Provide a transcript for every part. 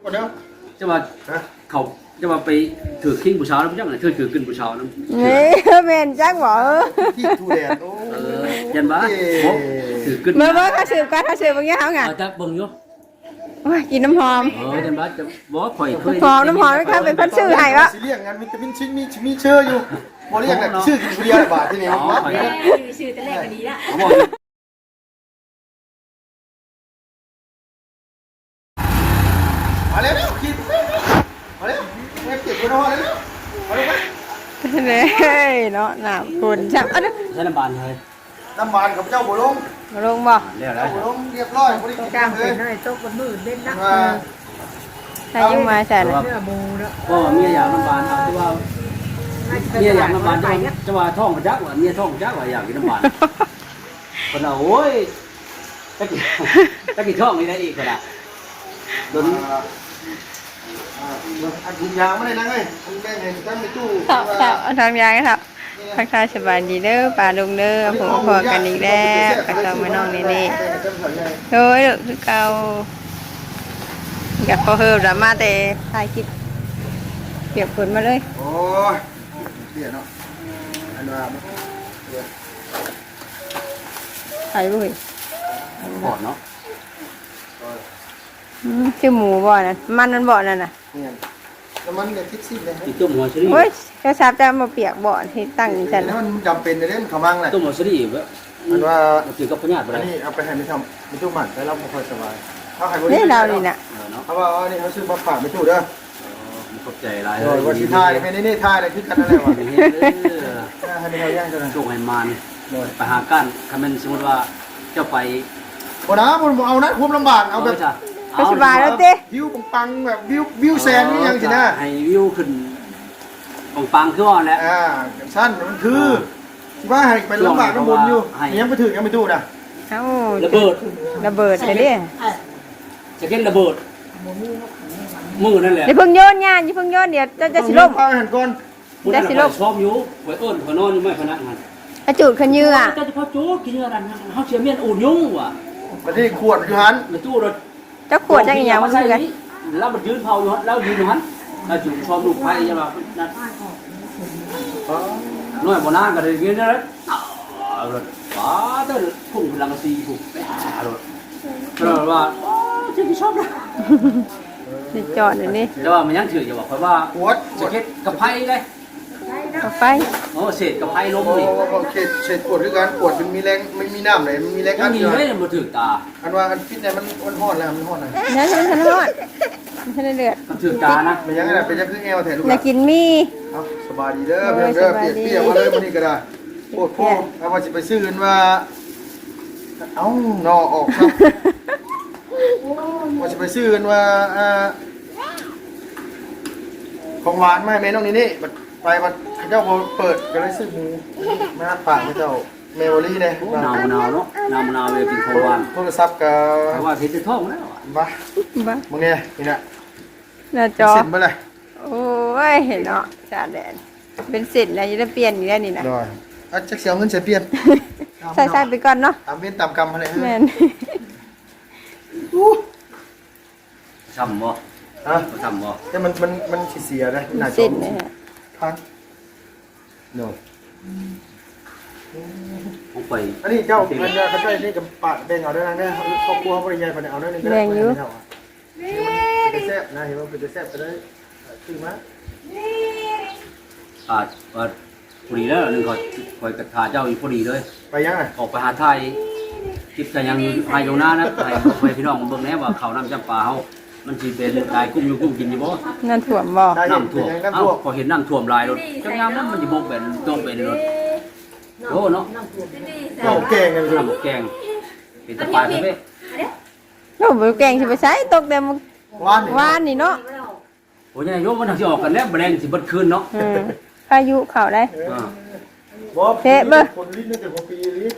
เดี๋ยวจะว่าเขาจะว่าไปถือขิ้งผู้ชายแล้วจังไงถือขึ้นผู้ชายนั้นนี่แม่นจักบ่ที่ทูแดดโอ้ยันบ้าถือขึ้นเมื่อเขาสืบกันเขาสืบอย่างเงี้ยเขาไงจะเบิ่งอยู่กินน้ำหอมยันบ้าจะบ่ข่อยเคยน้ำหอมไหมครับเป็นคนชื่อให้วะสิเรียกงานวิตามินชิ้นมีเชื่ออยู่บ่เรียกชื่อกินเบียร์บาทที่นี่ครับชื่อแต่แรกก็ดีละเขาบอกมาแล้วคิดมาแล้วไม่เก็บไว้รอแล้วมาลงไหมเลยเนาะน้ำคุณช่างอันนี้ใช้น้ำบานเลยน้ำมันกับเจ้าบ่ลงมาลงบ่แล้วแล้เจ้าว บ่ลงเรียบร้อยบ่ได้กินกลางเลเป็ยนอะไรโต๊ะบนมือเล่นนะใครยังมาใส่เลยเนื้อมูแล้วก็เมียอยากน้ำบานเอาที่ว่าเมียอยากน้ำบานจะว่าท้องมันจักว่าเมียท้องจักว่าอยากกินน้ำบานคนเราโอ้ยตะกี้ท้องนี่ได้อีกคนละโดนอันถุงยางไม่ได้นะเฮ้ยถุงแดงเห็นตั้งในตู้ทำยังครับทักทายสบายดีเด้อป่าลุงเด้อผมพอกันอีกแล้วกับเราไม่น้องนี่โอ้ยคือเก่าอยากพอเฮิร์ดมาแต่ถ่ายคลิปเปียกฝนมาเลยโอ้ยเสียเนาะอันว่าถ่ายรูปปอดเนาะชื่อหมูบ่อนั่นมันบ่อนั่นน่ะเนี่ยแล้วมันเนี่ยคิดซิเลยอีกต้มหัวชรีโอ้ยเจ้าชาบจะมาเปียกบ่อที่ตั้งอยู่ฉันแล้วมันจำเป็นในเรื่องขมังแหละต้มหัวชรีแบบมันว่าเกี่ยวกับพญาติไปอันได้นี้เอาไปให้ไม่ทำไม่ตู้หมันแล้วเราไม่ค่อยสบายเขาให้นี่เรานี่น่ะเนาะเขาว่าอันนี้เขาซื้อมาฝากไม่ตู้เด้อขอบใจหลายโดยวันที่ทายให้นี่ทายอะไรคือกันนั่นแหละวะให้ไม่เขาย่างกันนะโชคให้มันไปหากันคำเป็นสมมติว่าเจ้าไปวันนะผมเอานะคุ้มลำบากเอาแบบก็สบายแล้วเต้วิวปังแบบวิวแซนนี่ยังสินะให้วิวขึ้นปังขึ้นว่าแล้วสั้นมันคือว่าให้ไปลำบากน้ำมนอยู่ยังไปถึงยังไม่ตู้นะเอ้าระเบิดระเบิดเลยดิจะเก็นระเบิดมือนั่นแหละอย่าเพิ่งโยนงานอย่าเพิ่งโยนเดี๋ยวจะสิลมพาหันก่อนได้สิลมชอบอยู่ไว้เอิ้นไว้นอนอยู่ไม่พนักงานกระจุดขยืออ่ะแต่เฉพาะจูกินอะไรนั่นเขาเชื่อเมียนอุ่นยุ่งว่ะมาที่ขวดอยู่หันมันตู้รถเจ้าขวดจังอีหยังมาคือกันแล้วมันยืนเผาอยู่แล้วยืนอยู่หันแล้วจุ่มชอบลูกไผ่ใช่ป่ะนั่นน้อยบ่นานก็ได้เงี้ยนะรถป้าเด้อพุ่งพลังสีพุ่งรถก็ว่าจะชอบนะสิจอดเลยนี่แต่ว่ามันยังถืออยู่ว่าเพราะว่าขวดจะเก็บกับไผ่เลยเอาไปโอ้เศษกับไผ่ล้มนี่เฉดขวดคือการขวดมันมีแรงมันมีน้ำไหนมันมีแรงยัอังดมีอยู่เลยมาถือตาอันว่าอันฟิตเนี่ยมันห่อนแล้วมันห่อนเลยนั่นฉันทอดฉันเดือดมันถือตานะมันยังไงเป็นยังคือแอวแถลูกอยากกินมีสบายดีเด้อเพื่อนเด้อเปียกมาเลยวันนี้ก็ได้โคตรพ่อเอามาสิไปซื้อกันว่าเอ้านอออกครับว่าสิไปซื้อกันว่าของหวานไม่แม่น้องนี่นี่ไปมันเจ้าเปิดก็เลยซื้อหมูมาฝากเจ้าเมโมรี่เนี่ยหนาวเนาะหนาวเลยกินของหวานโทรศัพท์กับเพราะว่าเห็นจะท้องแล้วบ้าบ้ามึงเนี่ยนี่นะหน้าจอเสร็จไปเลยโอ้ยเห็นเนาะจ่าแดนเป็นสิทธิ์นะจะได้เปลี่ยนอยู่แล้วนี่นะได้อาจจะเสียเงินเสียเปลี่ยนใส่ไปก่อนเนาะตามเว้นตามกรรมอะไรแม่นช้ำบ่ฮะช้ำบ่แต่มันเสียนะหน้าจอสิทธิ์นะฮะพังโน่ผมไปอันนี้เจ้ามันจะเขาจะนี่กับปาดแบ่งเอาด้วยนะเนี่ยครอบครัวเขาบริยายไปเอาด้วยนี่ก็ได้เป็นแซ่บนะเห็นว่าเป็นแซ่บไปได้คือมั้ยว่าพอดีแล้วนึงคอยกระทาเจ้าอยู่พอดีเลยไปยังไงออกไปหาไทยคิดกันยังภายอยู่หน้านะไปพี่น้องเบิ่งแน่ว่าเขาน้ำจำปาเฮามันสิเป็นลายกุ้มอยู่กุ้มกินอยู่บ่นั่นถ่วมบ่น้ำท่วมเอ้าพอเห็นน้ำท่วมลายรถจังยามนั้นมันสิบ่เป็นต้องเป็นรถโอ้เนาะเจ้าแกงกันเลยน้ำแกงเป็นตะปายเพ่โอ้บ่แกงสิไปใช้ตกแต่มื้อวานวานนี่เนาะโอ้ยโยมมันสิออกกันแล้วแมลงสิเบิดคืนเนาะพายุเข้าได้เทะเบอร์คนลิ้นนี่แต่คนปีลิ้น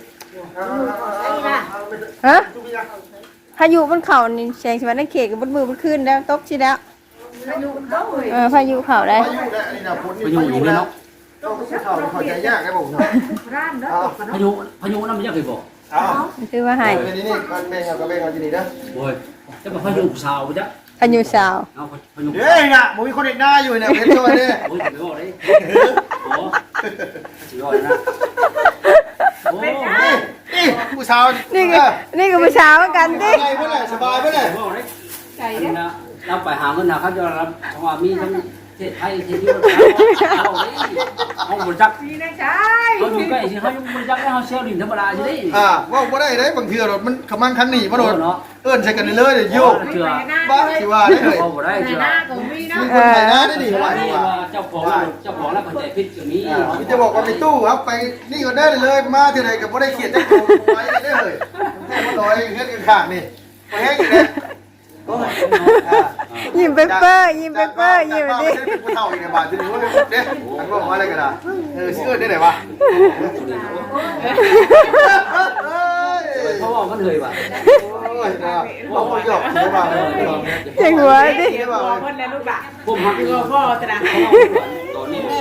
ฮะพายุมันเข้านี่แสงสิว่าในเขตก็บ่มือบ่คืนแล้วตกสิแล้วอายุมันเข้าเลยพายุเข้าได้พายุได้อันนี้นะพ้นพายุอย่างนี้เนาะต้องเข้าใจยากไอ้ผมเนาะร้านเนาะพายุนั่นมันยังเคยบอกอ้าวคือว่าให้เป็นนี่มันแบ่งเอาก็แบ่งเอาที่นี่นะโอ้ยจะมาพายุสาวจ้ะอายุสาวเอาพยุงเฮ้ยน่ะมึงมีคนเด็กหน้าอยู่เนี่ยเพชรช่วยดิโอ้ยไม่บอกเลยโอ้สุดยอดนะโอ้นี่ผู้สาวนี่ก็ผู้สาวเหมือนกันดิไงเพื่อนสบายเพื่อนไม่บอกเลยเราไปหาเงินนะครับจะรับเพราะว่ามีทั้งเทศไทยเทศยุโรปเอาบริจาคนี่นะใช่เขาอยู่ใกล้สิเขาบริจาคให้เขาเซลล์ดินธรรมดาใช่ไหมว่าบ่ได้ได้บางทีรถมันขมั่งคันหนีมาโดนเอิ้นใส่กันเลยเดี๋ยวโยกเชื่อบ้าสิว่าได้เลยเขาบ่ได้ในเชื่อหน้าก็มีนะมีคนไทยนะได้ดีว่าเจ้าของแล้วก็ใจพิษอย่างนี้พี่จะบอกว่าไปตู้ครับไปนี่ก็ได้เลยมาที่ไหนกับบ่ได้เขียนจักโตไปได้เลยแค่บ่ลอยเฮ็ดกันข้างนี่บ่แห้งอยู่แล้วยิ้มเปเปอร์ยิ้มเปเปอร์ยิ้มดิผู้เฒ่าอีกในบ้านที่นี่ว่าเด้ทั้งบอกว่าอะไรกันล่ะสิเอิ้นได้ไหนวะเพราะว่ามันเลยว่ะโอ้ยนะบอกว่าหยอกใช่ป่ะเจ๋งหัวดิใช่ป่ะพ่อคนแล้วลูกอ่ะผมหักคือพ่อตระตอนนี้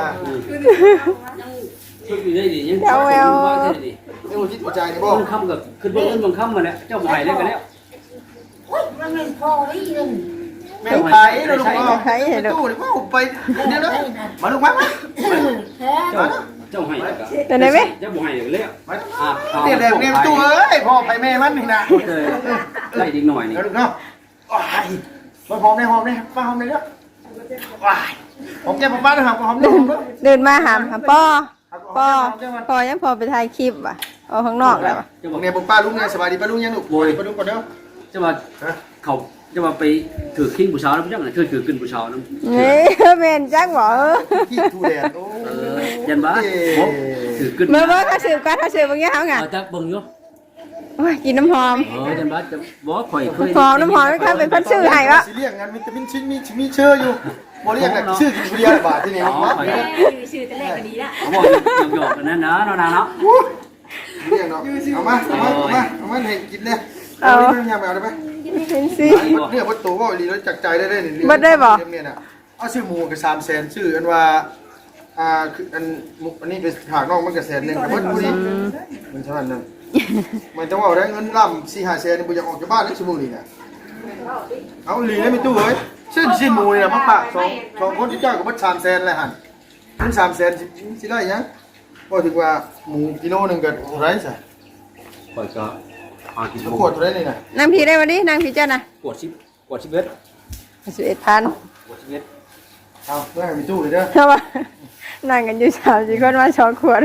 ช่วยอยู่ได้ดิยังว่าได้ดินี่มันคิดหัวใจนี่บ่บางคำกับคือเบิ้งบางคำมาแล้วเจ้าใหม่เลยกันแล้วแม่ไผ่เราลูกเอาไปตู้นี่ว่าไปเดี๋ยวนะมาลูกมาเจ้าให้แล้วก็เป็นไงไหมเจ้าบ่ให้เลยแล้วเนี่ยเด็กเนี่ยตู้เอ้ยพ่อไผ่แม่มันนี่นะไล่ดิ้งหน่อยนี่แล้วลูกเนาะว้ายมาหอมได้หอมได้ป้าหอมได้เด้อว้ายหอมแก้มป้าได้หอมหอมได้หอมเด้อเดินมาหามป้อยังพอไปถ่ายคลิปอ่ะเอาข้างนอกแล้วจะบอกเนี่ยผมป้าลุงเนี่ยสบายดีป้าลุงยังลูกป้าลุงก่อนเด้อจะมาเขาจะมาไปถือขิ้งผู้ชายแล้วพี่จังไหนถือขึ้นผู้ชายน้ำนี่เมนจังบอกขี้ทูแดดโอ้ยันบ้าถือขึ้นเมื่อเขาสืบกันเขาสืบบางอย่างไงจะเบิ่งอยู่กินน้ำหอมยันบ้าจะบอกข่อยเคยหอมน้ำหอมครับเป็นคนชื่อไห้วะสิเรียกงานวิตามินชิ้นมีเชื่ออยู่บ่เรียกแหละชื่อกินเบียร์บาทที่นี่ครับชื่อแต่แรกก็ดีละเขาบอกหยอกกันนะนะเนาะเรียกเนาะเอามาให้กินเลยเอาไม่ยามเอาได้ไหมเป็นสิเนี่ยวัตถุว่าดีแล้วจากใจได้นี่เนี่ยนะเอาชื่อหมูกับ300,000ชื่ออันว่าคืออันนี้เป็นหากนอกมันกับ100,000กับวัตถุนี้มันเท่านั้นมันจะว่าได้เงินล่ำ4-500,000นี่บ่อยากออกจากบ้านแล้วชั่วโมงนี้นะเอาลีได้ไม่ตู้เอ้ยชื่อหมูเนี่ยมาปาก2คนที่เจ้ากับวัด300,000เลยหั่นถึง300,000สิได้ยังก็ถือว่าหมูกิโลนึงก็ไรซะข่อยก็กินขวดไรนี่น่ะนางผีได้วันนี้นางผีเจ้านะกดชิบเวท 11,000 กดชิบเวทเอาเพื่อให้มีตู้เลยเด้อเพราะว่านั่งกันอยู่3-4คนมา2ขวด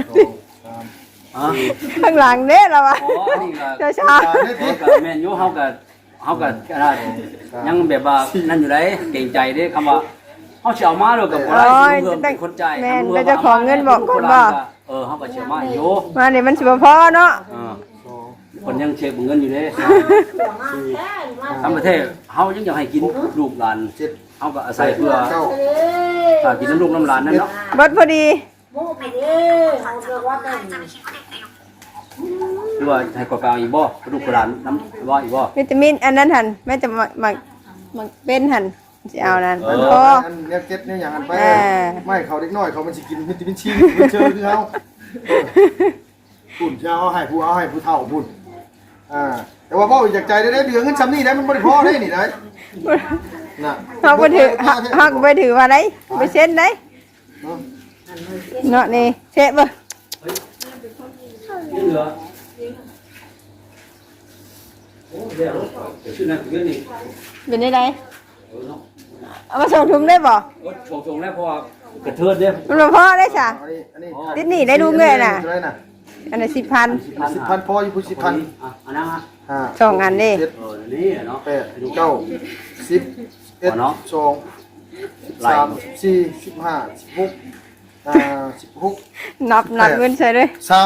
ข้างหลังเด้เราวะอ๋อนี่ก็เช้าแม่นอยู่เฮาก็อะไรยังแบบว่านั่นอยู่ได้เก่งใจเด้คำว่าเฮาสิเอามาแล้วก็บ่ได้เพิ่มเป็นคนจ่ายเฮาก็เสียมาอยู่มาเนี่ยมันสิบพอเนาะคนยังเช็คเงินอยู่เด้ทำประเทศเฮายังอยากให้กินลูกหลานเฮาก็อาศัยเพื่อกินน้ำลูกน้ำหลานนั่นเนาะบดพอดีหรือว่าให้กว่าเปล่าอีกบ่ลูกหลานน้ำว่าอีกบ่วิตามินอันนั้นหันแม่จะมาเป็นหันจะเอานั้นพอเนี่ยเก็ตเนี่ยอย่างนั้นไปไม่เขาเด็กน้อยเขามันสิกินวิตามินซีเจอคือเขาปุ่นเช้าให้ผู้เฒ่าปุ่นแต่ว่าพ่อจากใจได้เดือนเงินซ้ำนี่ได้มันบริพอได้นี่ได้น่ะเขาไปถือหักไปถือว่าไรไปเส้นได้เนาะนี่เช็ดบ่เหลือโอ้เดี๋ยวชื่อนั่นคือนี่เป็นได้ไรเอามาส่งถุงได้บ่ชงแล้วเพราะว่ากระเทือนเด้มันพอได้จ้ะติดหนีได้ดูเงยน่ะอันนี้10,000 10,000พออยู่พูด10,000 อันนั้นฮะ 2 อันนี่นี่เนาะ 8 9 10 1 2 3 4 15 16 นับเงินใส่ด้วย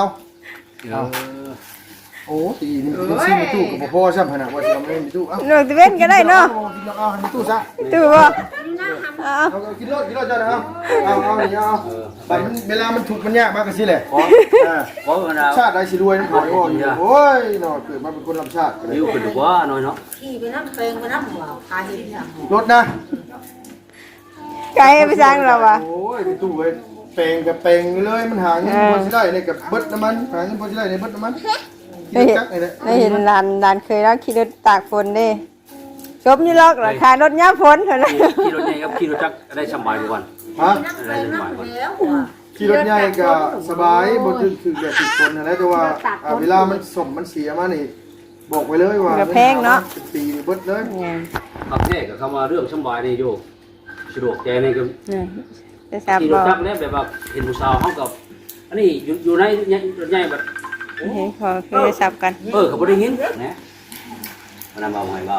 โอ้ตีนี่ซื้อมาตู้กับพ่อใช่ไหมนะว่าจะไม่มีตู้เอาหนูจะเว้นก็ได้เนาะเอามีตู้ซะตู้บ่เอากินรถเจ้านะครับเอานี่เอาแต่เวลามันถูกมันยากมากกันสิแหละเพราะว่าชาติใดสิรวยน้ำหอยโอ้ยเนาะเกิดมาเป็นคนลำชาติวิวขึ้นว่าน้อยเนาะขี่ไปน้ำเพลงไปน้ำหัวพาเห็นอย่างรถนะไกลไปสร้างเราอ่ะโอ้ยไปตู้เลยเป่งกับเป่งเลยมันหาเงินพอสิได้เลยกับเบิดน้ำมันหาเงินพอสิได้ในเบิดน้ำมันได้เห็นลานเคยแล้วขี่รถตากฝนเด้ชมอยู่หรอกราคารถยามฝนเท่านั้นขี่รถใหญ่กับขี่รถจักรได้สบายกว่ากันฮะได้สบายกว่าแล้วอ่ะขี่รถใหญ่ก็สบายบ่ถึงแบบติดคนนั่นแหละแต่ว่าเวลามันสมมันเสียมานี่บอกไว้เลยว่าเป็นปีเบิดเลยขับแท้กับคำว่าเรื่องสบายนี่อยู่สะดวกใจนี่ก็จะทราบขี่รบ่ถจักรเนี่ยแบบว่าเห็นผู้สาวเขากับอันนี้อยู่ในรถใหญ่แบบเฮ้ยพอคือจะทราบกันเขาบ่ได้ยินนะมันนำเอาให้เบา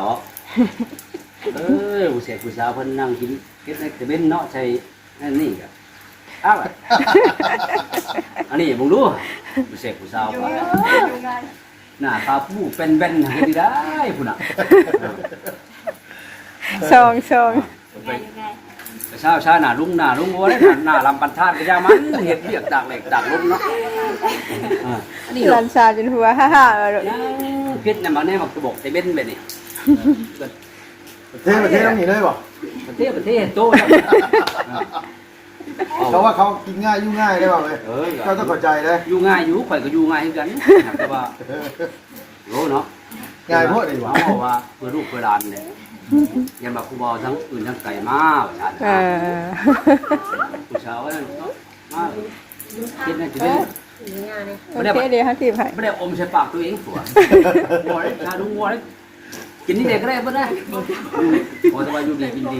ผู้เสกผู้สาวเพิ่นนั่งกินเก็บในตะเบ็นเนาะใช่นั่นนี่ก็อ้าวอันนี้บ่รู้ผู้เสกผู้สาวหน้าตาผู้เป็นแบนให้ได้พุ่นน่ะซองแต่เช้าหน้าลุงบ่ได้หน้าลำปันทาดก็ย่ามันเฮ็ดเรียกตากเหล็กตากลมเนาะอันนี้ลันชาจนหัวฮ่าๆเลยพิษน่ะมาแน่มักจะบอกตะเบ็นแบบนี้ประเทศต้องหนีเลยบ่ประเทศโตเขาว่าเขากินง่ายยุ่งง่ายได้ป่าวเลยเขาต้องเข้าใจเลยอยู่ง่ายอยู่ข่อยก็อยู่ง่ายคือกันแต่ว่าโลเนาะง่ายโพดเลยว่ะเพราะว่าเพื่อลูกเพื่อหลานเนี่ยยันมาครูบอทั้งอื่นทั้งไก่มาว่าซั่นผู้ชาวว่ามาคิดนั่นสิเป็นโอเคเดี๋ยวให้ทีมให้ไม่ได้อมใส่ปากตัวเองตัวบ่ได้ชาดุงบ่ได้กินนี่เด็กก็ได้บ่ได้พอจะว่าอยู่ดีกินดี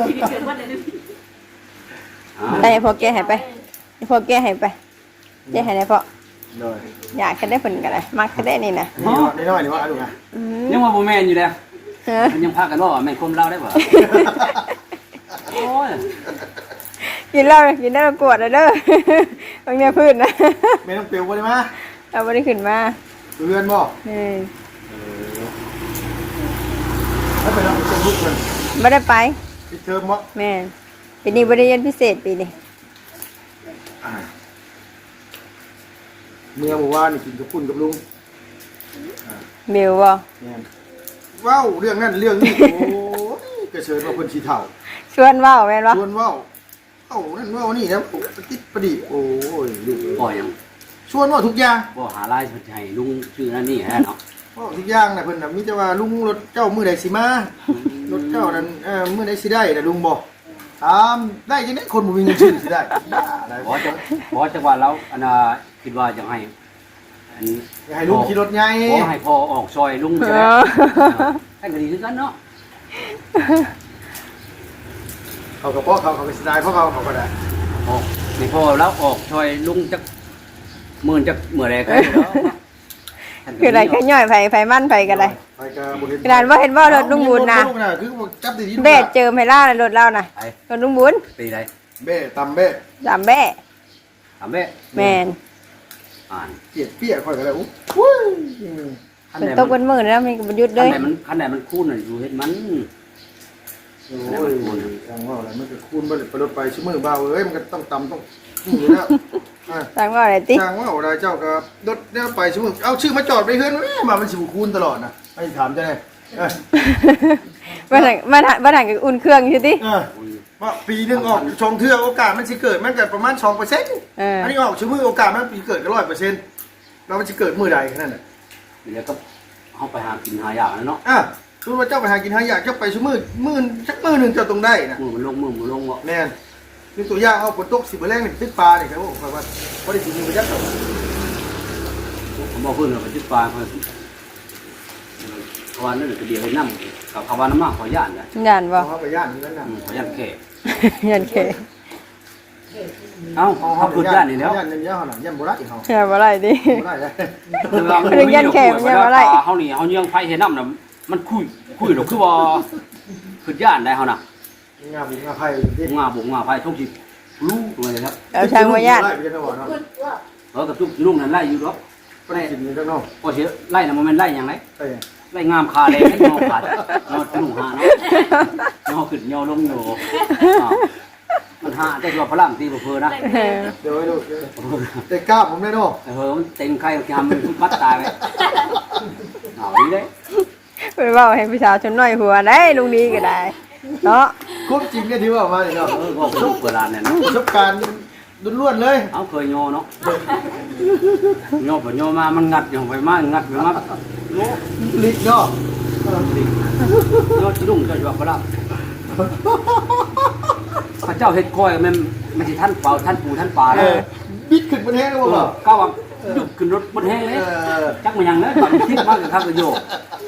ได้พอแกให้ไปพอแกให้ไปแกให้ได้พอเลยอยากแค่ได้ผลกันเลยมักแค่ได้นี่นะนี่น้อยนี่ว่าดูไงยังว่าบ่แม่นอยู่แล้วมันยังพากันว่าแม่นคมเล่าได้บ่โอ้ยกินได้กวดเลยเด้อบางเนี่ยพื้นนะไม่ต้องเปลี่ยวเลยมั้ยเอาไม่ได้ขึ้นมาเพื่อนบ่นี่ถ้าเป็นเราเป็นลูกมันไม่ได้ไปปิดเทอมบ่แม่ปีนี้บริเรียนพิเศษปีนี้เมื่อวานนี่กินกับคุณกับลุงเบลบ่ว้าวเรื่องนั้นเรื่องนี้โอ้ยกระเชิญว่าคนชีเถ่าชวนว่าวแม่นบ่ชวนว้าวเอ้านั่นว้าวนี่นะติดประดิโอ้ยลูกบ่ยังชวนว่าทุกอย่างบ่หาลายให้ลุงชื่อนั่นนี่ฮะเนาะว่าทุกอย่างนะเพิ่นน่ะมีแต่ว่าลุงรถเจ้ามื้อใดสิมารถเจ้านั้นมื้อใดสิได้น่ะลุงบอกถามได้จังได๋คนบ่มีเงินซื้อสิได้ได้บ่จังว่าเราอันน่ะคิดว่าจะให้อันให้ลุงขี่รถใหญ่ขอให้พ่อออกซอยลุงใช่ไหมให้ก็ดีคือกันเนาะเขากับพ่อเขาก็สิได้เพราะเขาก็ได้ออกให้พ่อแล้วออกซอยลุงจักหมื่นจักเมื่อไรกันเนาะคืออะไรแค่ย่อยไผมั่นไผกันเลยไปก็บ่เห็นกระดานว่าเห็นว่ารถลุงบุญนะคือจับดีๆเบ้เจิมให้ล่ารถเล่านะไอ้รถลุงบุญปีไรเบ้ตำเบ้จำเบ้ถามแม่แมนอ่านเปียกเปียกค่อยก็ได้อู้ฝนตกบนมือแล้วมีประยุทธ์คัเลนยไหนมันคันไหนมันคูนอยู่เห็นมันโอ้ยจังว่าอะไรมันก็คูณบ่ได้ไปรถไปชั่วมือเบาเอ้ยมันก็ต้องตำต้องนี่แล้วสั่งว่าอะไรติจังว่าอะไรเจ้าก็รถเนี่ยไปชั่วมือเอาชื่อมาจอดไปเฮือนมามันสิบ่คูณตลอดนะไอ้ถามจังได๋มาถังกับอุ่นเครื่องอยู่ติว่าปีนึงออกชงเทื่อโอกาสมันสิเกิดมันก็ประมาณ 2% อันนี้ออกชั่วมือโอกาสมันปีเกิดก็ 100%แล้วมันสิเกิดมื้อใดแค่นั้นน่ะเดี๋ยวก็เขาไปหากินหาอย่างแล้วเนาะคือว่าเจ้าไปหากินหาอยากเจ้าไปชั่วมือมื้อสักมื้อนึงเจ้าต้องได้นะมือมันลงวะแม่นคือตัวอย่างเอาฝนตกสิบ่แรงนี่ตึกปลานี่ครับผมว่าบ่ได้สิมีประหยัดดอกผมบอกเพื่อนเราไปจุดปลาเพื่อนขวานนั่นคือเดียวให้น้ำกับขวานน้ำมากขอย่านนะยันบ่เอาไปย่านนี่นั่นน่ะขอย่านแค่ยันเคเอ้าเขาพูดย่านนี่แล้วย่านนี่ย่านน่ะย่านบ่ได้เฮาแค่บ่ไรดิบ่ได้เลยเรื่องยันแขกมันยังอะไรเขานี่เขายังไฟเห็นน้ำน่ะมันคุยหรอกคือว่าคือย่านได้เขาน่ะงาบุงาไผที่งาบุกงาไฟทุกทีรู้ตัวเลยครับเอาช่างว่ายันไปจังว่าเนาะกับทุกลุงนั่นไล่อยู่หรอกบ่ได้กินนี่จังเนาะก็เสียไล่น่ะมันไล่ยังไงไปไล่งามคาเลยให้งอขาดงอลุงหาเนาะงอขึ้นงอลงอยู่มันหาแต่ตัวพลังตีบ่เพอนะเดี๋ยวให้ดูแต่กล้าผมได้เนาะมันเต็งไข่ทำมันมัดตายไปเอาดีเลยเป็นว่าให้พี่สาวชนน้อยหัวได้ลุงดีก็ได้เนาะควบจริงเนี่ยที่ว่ามานี่เนาะก็ลูกเวลาเนี่ยนะประสบการณ์ล้วนๆเลยเอาเคยโยเนาะโยไปโยมามันงัดอย่างไปมางัดไปมาโยลิกเนาะยอดรุ่งก็อยู่ว่าพระพระเจ้าเฮ็ดคอยมันสิท่านเป่าท่านปู่ท่านป่าเลยบิดขึ้นบนแห้งแล้วบ่ก้าวยุบขึ้นรถบนแห้งเลยจักมันยังเลยมันคิดมากกับข้าวประโยชน์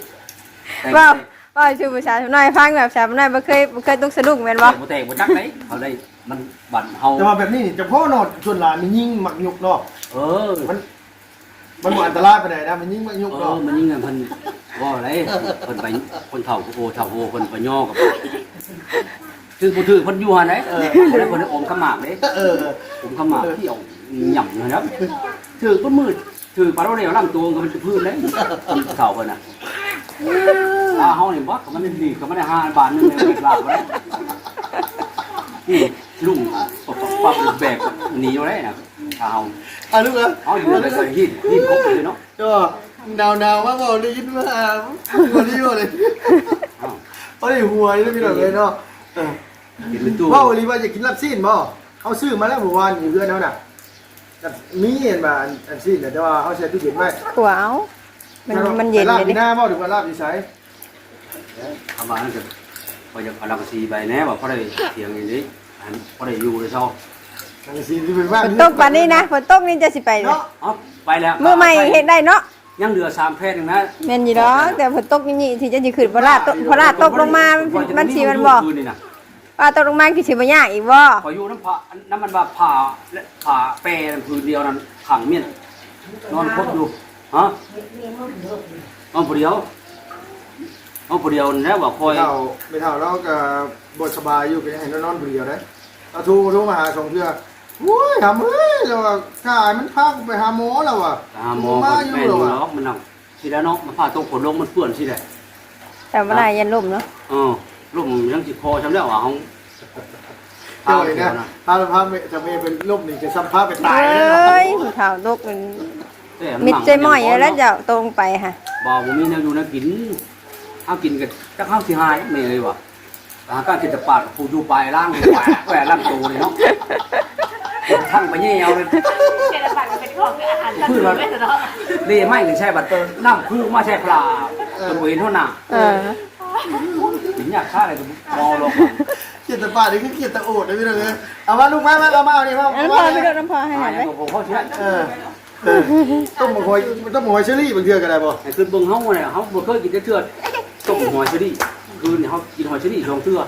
ว่าชื่อประชาชนน้อยฟังแบบชาวน้อยบ่เคยต้องสะดุ้งแม่นบ่บ่แตกบ่จักไหนเขาได้มันบั่นเฮาแต่ว่าแบบนี้นี่จะพ่อนอดชวนหลานมันยิ่งหมักยุกเนาะ มันบ่อันตรายปานใดนะมันยิ่งหมักยุกเนาะมันยิ่งเพิ่นว่าอะไรเพิ่นไปคนเฒ่าโอ้เฒ่าโอ้เพิ่นไปย่อกับคือผู้ถือเพิ่นอยู่หั่นเด้เพิ่นได้อมขมากเด้อมขมากที่เอาหย่ำนะครับถือเพิ่นมืดถือปลาโรเดียวลำตัวก็มันจะพื้นเลยเฒ่าเพิ่นน่ะเฮานี่บ่ก็มันดีก็มันได้5 บาทนึงเลยลาบไว้นี่ลุงปั๊บแบกหนีอยู่ได้น่ะเฮาลูกเอ้ยเฮาอยู่เลยใส่หินครบเลยเนาะก็ดาวว่าบ่ได้ยินว่าบ่ได้อยู่เลยบ่ได้หัวนี่พี่น้องเลยเนาะกินเป็นตู้ว่าโอลิว่าจะกินลาบซีนบ่เขาซื้อมาแล้วเมื่อวานอยู่เพื่อนเขาน่ะมีเห็นมาอันซีนแต่ว่าเขาใช้ตู้เย็นไว้ขัวเอามันเย็นลาบเลยที่ดิหน้าบ่หรือว่าลาบที่ไสทำมานั่นคือพอจะเอาลังสีไปแน่ว่าพอได้เถียงอย่างนี้พอได้อยู่เลยชอบอันซีนที่เป็นว่าฝนตกปานนี้นะฝนตกนี่จะสิไปเลยเนาะอ๋อไปแล้วมื้อใหม่เฮ็ดได้เนาะยังเหลือ3แพทย์นึงนะแม่นอยู่ดอกแต่ฝนตกนี่ที่จะสิขึ้นพระราชตกลงมามันสิมันบ่ ว่าตกลงมาคือสิบ่ยากอีกบ่พออยู่น้ำผ่าน้ำมันว่าผ่าและผ่าแปรพื้นเดียวนั้นขังเมียนนอนพบอยู่ฮะนอนผู้เดียวนอนผู้เดียวแล้วว่าคอยไม่เท่าเราก็บ่สบายอยู่เป็นให้นอนผู้เดียวได้เอาโทรมาหา2เทื่อโอ้ยหาเอ้ยแล้วว่าถ้ามันพาไปหาหมอแล้วว่ะหาหมอคนแม่อยู่เนาะมันนั่งสิแล้วเนาะมันผ่าตรงขนลงมันเปื้อนสิแหละแต่บ่ได้ยันล่มเนาะลุ่มยังจิคอจำได้ว่าเฮาเจ้าเลยนะถ้าจะไม่เป็นลมนี่จะซ้ำพาไปตายเอเลย้ยผู้เฒ่าตกมันมิดใจม้อยแล้วจะตรงไปค่ะบ่บ่มีแนวอยู่นะกินเอากินกันจักข้าวสิหายแม่เลยว่ะหาการกินแต่ปาดผู้อยู่ปลายล่างแหวล่างตัวเลยเนาะทั้งไปเยี่ยวเลยเจริญบัตรเป็นของอาหารสัตว์ไม่เนาะนี่ไม่ถึงใช่บัตรน้ำคู่มาใช่ปลาตัวเห็นเท่าน่ะถึงอยากฆ่าอะไรก็มองลงเกียรติป่านี่คือเกียรติโอดเลยพี่น้องเอามาลูกมาเอามาเอานี่มาน้ำพอไปโดนน้ำพอให้หน่อยไหมผมเขาเชื่อต้มหอยเชอรี่บางเทื่อก็ได้บ่ไอ้คือเบิ่งเขาเนี่ยเขาบ่เคยกินเทื่อต้มหอยเชอรี่คืนเขากินหอยเชอรี่2เทื่อ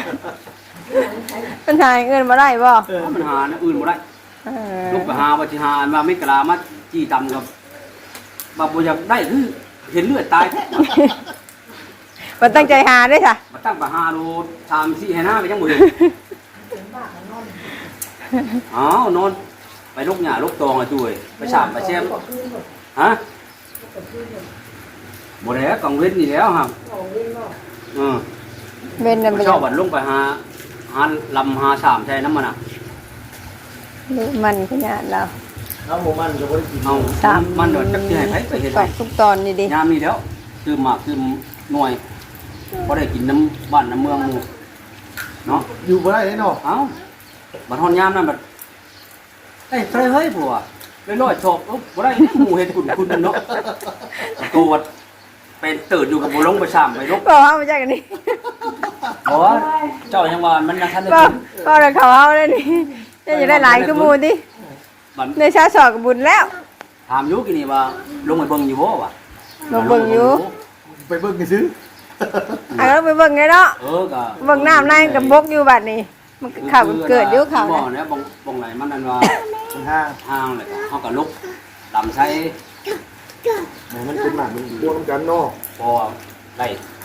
ปัญหาเงินมาได้บ่มันหาอื่นบ่ได้ลูกไปหาว่าสิหามาไม่กล้ามาจี้ตำกับบ่บ่อยากได้คือเห็นเลือดตายมันตั้งใจหาด้วยค่ะมาตั้งไปหาโล3 4ให้หน้าไปจังบ่เห็นอ้าวนอนไปลูกหญ้าลูกตองอ่ะจุ้ยไปสามไปแซมฮะบ่ได้กังเว้นนี่แล้วครับเว้นนั่นไปชอบบัดลงไปหาลำหาสามใช่น้ำมันอ่ะมันขนาดเราเอาหมูมันก็บ่ได้กินเอามันเดี๋ยวจักสิให้ไปเฮ็ดตให้อกทุกตอนนี่ดิยามนี้แล้วคือหมากคือหน่วยบ่ได้กินน้ำบ้านน้ำเมืองหมู่เนาะอยู่บ่ได้เนาะเอ้าบัดฮอนยามนั้นบัดเอ้ยเฮ้ยผัวลอยๆชอบบ่ได้หมู่เฮ็ดคุณเนาะตัวเป็นตื่นอยู่กับบ่ลงไปซ้ำไปลกบอกเขามาจากกันนี่บ่เจ้ายังว่ามันยังทันได้บอกกินบอกเลยเขาเอาเลยนี่จะได้หลายขมูลดิบัดในชาสอกกับบุญแล้วถามอยู่กินนี่ว่าลงไปเบิ่งอยู่บ่วะลงเบิ่งอยู่ไปเบิ่งกันซื้ออ่ะเราไปเบิ่งไงเนาะก็เบิ่งน้ำในกับบกอยู่บัดนี้มันข่าวเกิดอยู่ข่าวบ่นะเนี่ยบ่งไหนมันนั่นว่ามันห้างห้างเลยเฮาก็ลุกลำใช้มันเป็นหมากมันพวกน้ำกันเนาะพอได้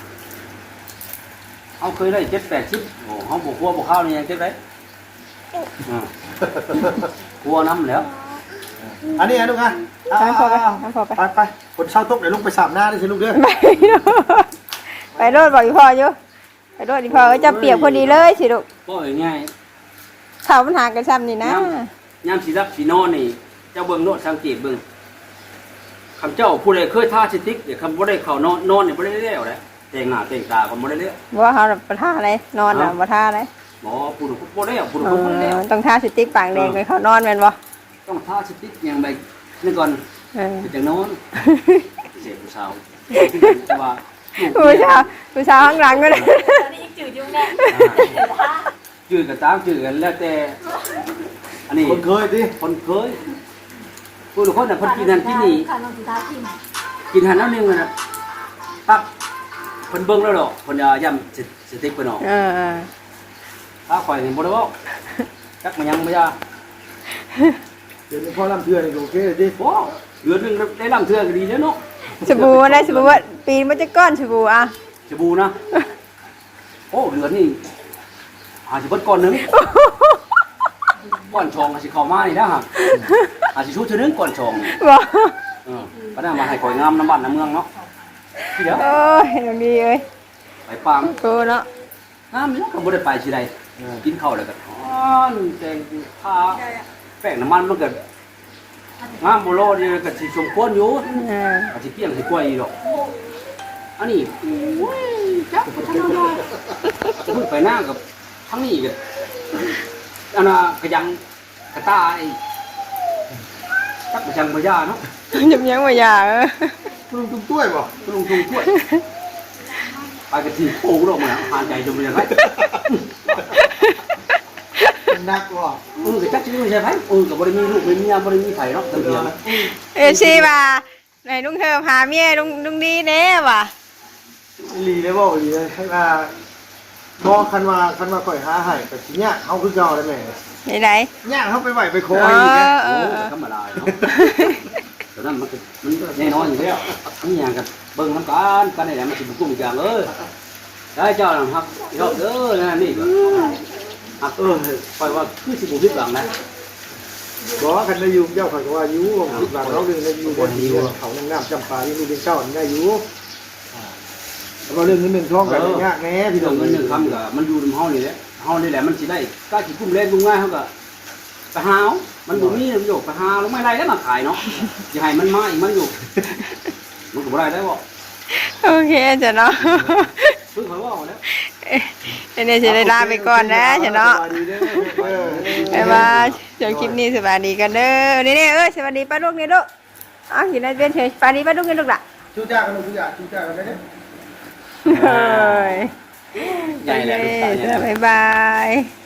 เฮาเคยได้7-80โอ้เฮาบ่กลัวบ่เข้านี่ยังเจ็บได้กลัวน้ำแล้วอันนี้ลูกอ่ะน้ำพอไปน้ำพอไปไปคนเช่าตกเดี๋ยวลงไปสามหน้าได้สิลูกเด้อไปโดดบอกอีพ่ออยู่ไปโดดอีพ่อจะเปียกพอดีเลยสิลูกก็ง่ายข่าวมันหากันซ้ำนี่นะยามสิรับสินอนนี่เจ้าเบิ่งโนดสังเกตเบิ่งคำเจ้าผู้ใดเคยทาสติ๊กเดี๋ยวคำบ่ได้เข้านอนนี่บ่ได้แล้วแหละแต่งหน้าแต่งตาก็บ่ได้แล้วว่าเขาประท่าอะไรนอนอ่ะประท่าอะไรหมอผู้บ่ได้ผู้บ่ได้แล้วต้องท่าสติ๊กปากแดงไปเขานอนแม่นบ่ต้องทาสติ๊กอย่างใดนี่ก่อนเออจะนอนเสียผู้สาวแต่ว่าผู้ชายข้างหลังก็ได้ตอนนี้ยังจืดยุ่งแน่จืดกับตามจืดกันแล้วแต่อันนี้คนเคยดิคนเคยผู้ทุกคนน่ะคนกินหันกินนี่ค่ะน้องสุดาทิมกินหันแล้วนึงน่ะปั๊บคนเบิ่งแล้วดอกคนย่ำสติ๊กเพิ่นออกถ้าข่อยนี่บ่ได้เว้าจักมันยังบ่ยาเดี๋ยวนี้พ่อลำเทือนโอเคดิโอ้เดือนนึงได้ลำเทื่อก็ดีแล้วเนาะสบู่ได้สบู่ว่าปีนมันจะก้อนสบู่อ่ะสบู่นะโอ้เดือนนี่อาจสิเบิดก่อนนึงก่อนชงอาจสิเข้ามานี่นะฮะอาจสิชุดนึงก่อนชงบอกก็ได้มาให้ข่อยงามน้ำบ้านน้ำเมืองเนาะที่เดียวโอ้ยตรงนี้เอ้ยไปปังโกเนาะน้ำเนี่ยก็บ่ได้ไปสิใดกินข้าวแล้วก็อ้อนแจงทาแป้งน้ำมันมันก็งามบ่โลนี่ก็สิสมควรอยู่อาจสิเปี้ยงสิกล้วยอีดอกอันนี้โอ้ยจักบ่ทันเอาจะเพิ่งไปหน้ากับทั้งนี้ก็อันน่ะกระยังกระตาไอ้จักบ่จังบ่ยาเนาะยำยังมาอย่าคุณลุงตุ้มต้วยบ่ลงทุนถ้วยไปกระถิ่นโป่งลงมาหายใจจมเลยไรนักว่ะก็จักชื่อใช่ไหมกับบริมีลูกไม่มีบริมีไผ่เนาะตั้งเดียวชีว่าไหนลุงเธอพาเมียลุงดีแน่ว่ะลีเลยบ่ลีเลยให้มาบ่คันว่าข่อยหาให้ก็สิเนี่ยเฮาคือเก่าได้แม่ไหนเนี่ยเฮาไปไหวไปคๆอยอีกนะโอ้ธรรมดาเนาะแต่นั้นมันแน่นอนอยู่แล้วนี่อย่างกับเบิ่งน้ำกันได้แหละมันสิบุกกุ้งอย่างได้เจ้าหลังครับเจ้าเด้อนั่นนี่ก็ปล่อยว่าคือสิบุพิษหลังนะบ่คันได้อยู่เจ้าข่อยก็ว่าอยู่หลังเราเรื่องได้อยู่บ่ดีเขาน้ำจำปาอยู่ดูเป็นเจ้าได้อยู่แต่ว่าเรื่องนี้เรื่องท้องกันยากแน่พี่น้เรื่ออง งเงินหนึ่งคำก็มันอยู่ในห้องนี่แหละห้องนี่แหละมันสิได้ก็สิกุ้มเล่นกุ้งง่ายเขาก็ไปหามันบ่มีประโยชน์ไปหาลงไม่ไรแล้วมาขายเนาะอย่าให้มันมาอีกมันอยู่มันก็บ่ได้บ่โอเคจ้ะเนาะเพิ่งเขาว่าแล้วเดี๋ยวจะได้ลาไปก่อนนะจ้ะเนาะบ๊ายบายเดี๋ยวคลิปนี้สวัสดีกันเด้อนี่สวัสดีป้าลูกนี่ลูกอ้าวอยู่ในเบียนเฉยป้าดีป้าลูกนี่ลูกล่ะชูจ้ากันชูจ้ากันได้เด้เฮ้ยใหญ่แหละลูกสาวใหญ่บ๊ายบาย